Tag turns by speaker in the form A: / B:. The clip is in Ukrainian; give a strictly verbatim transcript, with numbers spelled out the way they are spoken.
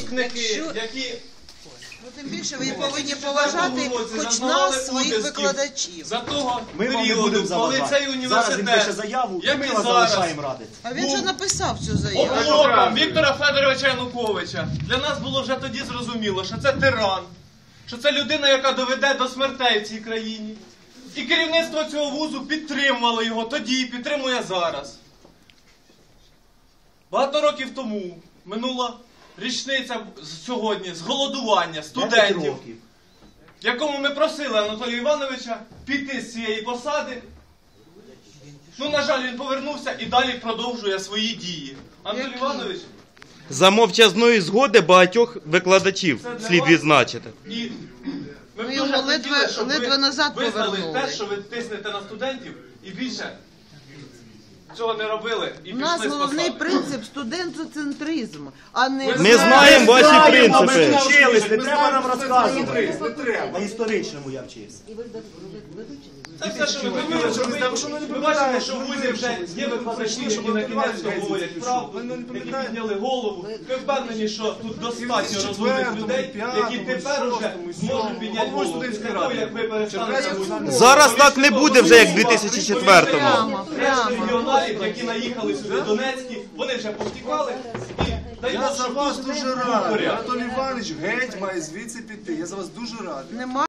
A: випускники,
B: Якщо-
A: які
B: Ну, тим більше ви повинні поважати хоч нас, своїх викладачів.
A: за того
C: Ми вам не
A: періоду,
C: будемо
A: коли
C: заважати.
A: цей
C: Зараз він
A: університет,
C: пише заяву, і
A: як
C: ми
A: і
C: вас
A: зараз,
C: залишаємо радити.
B: А він же написав цю заяву.
A: облогом Віктора Федоровича Януковича, для нас було вже тоді зрозуміло, що це тиран, що це людина, яка доведе до смертей в цій країні. І керівництво цього вузу підтримувало його тоді і підтримує зараз. Багато років тому минула річниця сьогодні з голодування студентів, в якому ми просили Анатолія Івановича піти з цієї посади. Ну, на жаль, він повернувся і далі продовжує свої дії. Анатолій
B: Які?
A: Іванович,
D: За мовчазної згоди багатьох викладачів
A: це для
D: слід
A: вас.
D: відзначити.
A: І ми б
B: Ну,
A: дуже
B: його
A: хотіли,
B: ледве-
A: щоб
B: ледве
A: ви
B: назад
A: визнали
B: повернули.
A: те, що ви тиснете на студентів, і більше цього не робили, і
B: У
A: пішли
B: нас
A: з
B: головний
A: посади.
B: принцип студентоцентризм, а не...
A: Ми
D: Ми знаємо ваші
C: Ми
D: принципи.
C: вчились, не треба нам розказувати. На історичному я вчився.
A: Це все, що ми хотіли, щоб ви... Ми бачимо, що в вузі вже є викладачі, які на кінець говорять правду, які підняли голову. Ми впевнені, що тут достатньо розумних людей, які тепер уже зможуть підняти голову. Після того, як ви перестанете бути...
D: Зараз так не буде вже, як в дві тисячі четвертому.
B: Прямо,
A: Решта
B: прямо.
A: регіоналів, які наїхали сюди, Донецькі, вони вже повтікали. І дай
E: Я
A: Бог,
E: за
A: щоб
E: вас
A: тут
E: дуже
A: був
E: радий.
A: порядок.
E: Анатолій Іванович геть має звідси піти. Я за вас дуже радий.
B: Нема